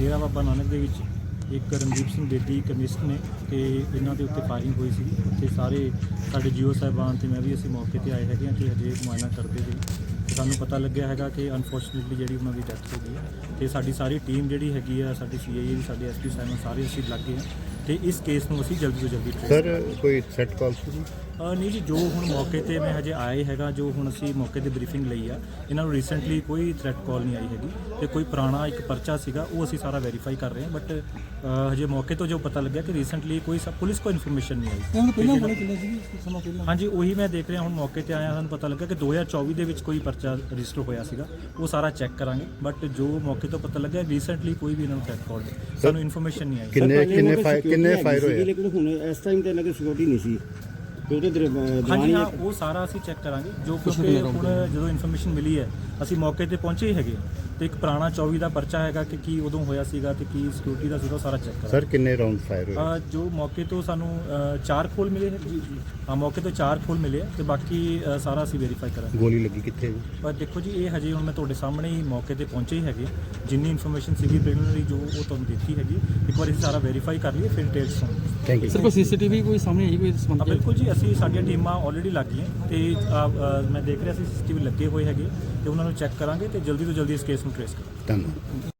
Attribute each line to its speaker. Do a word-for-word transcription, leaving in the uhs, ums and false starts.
Speaker 1: ਡੇਰਾ ਬਾਬਾ ਨਾਨਕ ਦੇ ਵਿੱਚ ਇੱਕ ਰਣਦੀਪ ਸਿੰਘ ਬੇਦੀ ਕਮਿਸਟ ਨੇ ਤੇ ਇਹਨਾਂ ਦੇ ਉੱਤੇ ਫਾਇਰਿੰਗ ਹੋਈ ਸੀ। ਉੱਥੇ ਸਾਰੇ ਸਾਡੇ ਜੀਓ ਸਾਹਿਬਾਨ ਤੇ ਮੈਂ ਵੀ ਅਸੀਂ ਮੌਕੇ ਤੇ ਆਏ ਹੈਗੇ ਹਾਂ ਕਿ ਹਜੇ ਮੁਆਇਨਾ ਕਰਦੇ ਸੀ। ਸਾਨੂੰ ਪਤਾ ਲੱਗਿਆ ਹੈਗਾ ਕਿ ਅਨਫੋਰਚੂਨੇਟਲੀ ਜਿਹੜੀ ਉਹਨਾਂ ਦੀ ਡੈਥ ਹੋ ਗਈ ਤੇ ਸਾਡੀ ਸਾਰੀ ਟੀਮ ਜਿਹੜੀ ਹੈਗੀ ਆ, ਸਾਡੀ ਸੀ ਆਈ ਏ ਵੀ, ਸਾਡੇ ਐਸ ਪੀ ਸਾਹਿਬਾਨ ਸਾਰੇ ਅਸੀਂ ਲੱਗ ਗਏ ਹਾਂ ਤੇ ਇਸ ਕੇਸ ਨੂੰ ਅਸੀਂ ਜਲਦੀ ਤੋਂ ਜਲਦੀ ਟ੍ਰੇਸ
Speaker 2: ਸਰ ਕੋਈ ਥ੍ਰੈਟ ਕਾਲ ਸੀ?
Speaker 1: ਨਹੀਂ ਜੀ, ਜੋ ਹੁਣ ਮੌਕੇ ਤੇ ਮੈਂ ਹਜੇ ਆਏ ਹੈਗਾ, ਜੋ ਹੁਣ ਅਸੀਂ ਮੌਕੇ ਤੇ ਬਰੀਫਿੰਗ ਲਈ ਆ, ਇਹਨਾਂ ਨੂੰ ਰੀਸੈਂਟਲੀ ਕੋਈ ਥ੍ਰੈਟ ਕਾਲ ਨਹੀਂ ਆਈ ਹੈਗੀ ਤੇ ਕੋਈ ਪੁਰਾਣਾ ਇੱਕ ਪਰਚਾ ਸੀਗਾ ਉਹ ਅਸੀਂ ਸਾਰਾ ਵੈਰੀਫਾਈ ਕਰ ਰਹੇ ਹਾਂ। ਬਟ ਹਜੇ ਮੌਕੇ ਤੋਂ ਜੋ ਪਤਾ ਲੱਗਿਆ ਕਿ ਰੀਸੈਂਟਲੀ ਕੋਈ ਸਭ ਪੁਲਿਸ ਕੋਲ ਇਨਫੋਰਮੇਸ਼ਨ ਨਹੀਂ ਆਈ। ਹਾਂਜੀ, ਉਹੀ ਮੈਂ ਦੇਖ ਰਿਹਾ ਹੁਣ ਮੌਕੇ ਤੇ ਆਇਆ, ਸਾਨੂੰ ਪਤਾ ਲੱਗਾ ਕਿ ਦੋ ਹਜ਼ਾਰ ਚੌਵੀ ਦੇ ਵਿੱਚ ਕੋਈ ਪਰਚਾ ਰਜਿਸਟਰ ਹੋਇਆ ਸੀਗਾ, ਉਹ ਸਾਰਾ ਚੈੱਕ ਕਰਾਂਗੇ। ਬਟ ਜੋ ਮੌਕੇ ਤੋਂ ਪਤਾ ਲੱਗਿਆ ਰੀਸੈਂਟਲੀ ਕੋਈ ਵੀ ਇਹਨਾਂ ਨੂੰ ਥ੍ਰੈਟ ਕਾਲ ਸਾਨੂੰ ਇਨਫੋਰਮੇਸ਼ਨ ਨਹੀਂ ਆਈ।
Speaker 2: ਕਿੰਨੇ ਕਿੰਨੇ ਫਾਇਰ ਕਿੰਨੇ ਫਾਇਰ ਹੋਏ?
Speaker 3: ਲੇਕਿਨ ਹੁਣ ਇਸ ਟਾਈਮ ਤੇ ਇਹਨਾਂ ਦੀ ਸਿਕਿਉਰਿਟੀ ਨਹੀਂ ਸੀ।
Speaker 1: ਹਾਂਜੀ ਹਾਂ, ਉਹ ਸਾਰਾ ਅਸੀਂ ਚੈੱਕ ਕਰਾਂਗੇ। ਜੋ ਕਿਉਂਕਿ ਹੁਣ ਜਦੋਂ ਇਨਫੋਰਮੇਸ਼ਨ ਮਿਲੀ ਹੈ ਅਸੀਂ ਮੌਕੇ ਤੇ ਪਹੁੰਚੇ ਹੀ ਹੈਗੇ ਤੇ ਇੱਕ ਪੁਰਾਣਾ ਚੌਵੀ ਦਾ ਪਰਚਾ ਹੈਗਾ ਕਿ ਕੀ ਉਦੋਂ ਹੋਇਆ ਸੀਗਾ ਤੇ ਕੀ ਸਿਕਿਉਰਿਟੀ ਦਾ ਸੀਗਾ, ਉਹ ਸਾਰਾ ਚੈੱਕ ਕਰਾਂਗੇ।
Speaker 2: ਸਰ ਕਿੰਨੇ ਰਾਉਂਡ ਫਾਇਰ ਹੋਏ?
Speaker 1: ਜੋ ਮੌਕੇ ਤੋਂ ਸਾਨੂੰ ਚਾਰ ਖੋਲ ਮਿਲੇ ਨੇ ਜੀ। ਹਾਂ, ਮੌਕੇ ਤੋਂ ਚਾਰ ਖੋਲ ਮਿਲੇ ਤੇ ਬਾਕੀ ਸਾਰਾ ਅਸੀਂ ਵੈਰੀਫਾਈ ਕਰਾਂਗੇ।
Speaker 2: ਗੋਲੀ ਲੱਗੀ ਕਿੱਥੇ?
Speaker 1: ਪਰ ਦੇਖੋ ਜੀ, ਇਹ ਹਜੇ ਹੁਣ ਮੈਂ ਤੁਹਾਡੇ ਸਾਹਮਣੇ ਹੀ ਮੌਕੇ ਤੇ ਪਹੁੰਚੇ ਹੀ ਹੈਗੇ। ਜਿੰਨੀ ਇਨਫੋਰਮੇਸ਼ਨ ਸੀਗੀ ਪ੍ਰੀਲਿਮਿਨਰੀ ਜੋ ਉਹ ਤੁਹਾਨੂੰ ਦਿੱਤੀ ਹੈਗੀ, ਇੱਕ ਵਾਰ ਅਸੀਂ ਸਾਰਾ ਵੈਰੀਫਾਈ ਕਰ ਲਈਏ ਫਿਰ ਡਿਟੇਲਸ ਤੋਂ।
Speaker 2: Thank you.
Speaker 4: ਸਰ ਕੋਈ ਸੀਸੀਟੀਵੀ ਕੋਈ ਸਾਹਮਣੇ ਆਈ ਕੋਈ ਸੰਬੰਧ?
Speaker 1: ਬਿਲਕੁਲ ਜੀ, ਅਸੀਂ ਸਾਡੀਆਂ ਟੀਮਾਂ ਆਲਰੇਡੀ ਲੱਗ ਗਈਆਂ ਤੇ ਮੈਂ ਦੇਖ ਰਿਹਾ ਸੀ ਸੀਸੀਟੀਵੀ ਲੱਗੇ ਹੋਏ ਹੈਗੇ ਤੇ ਉਹਨਾਂ ਨੂੰ ਚੈੱਕ ਕਰਾਂਗੇ ਤੇ ਜਲਦੀ ਤੋਂ ਜਲਦੀ ਇਸ ਕੇਸ ਨੂੰ ਟ੍ਰੇਸ ਕਰਾਂਗੇ।
Speaker 2: ਧੰਨਵਾਦ।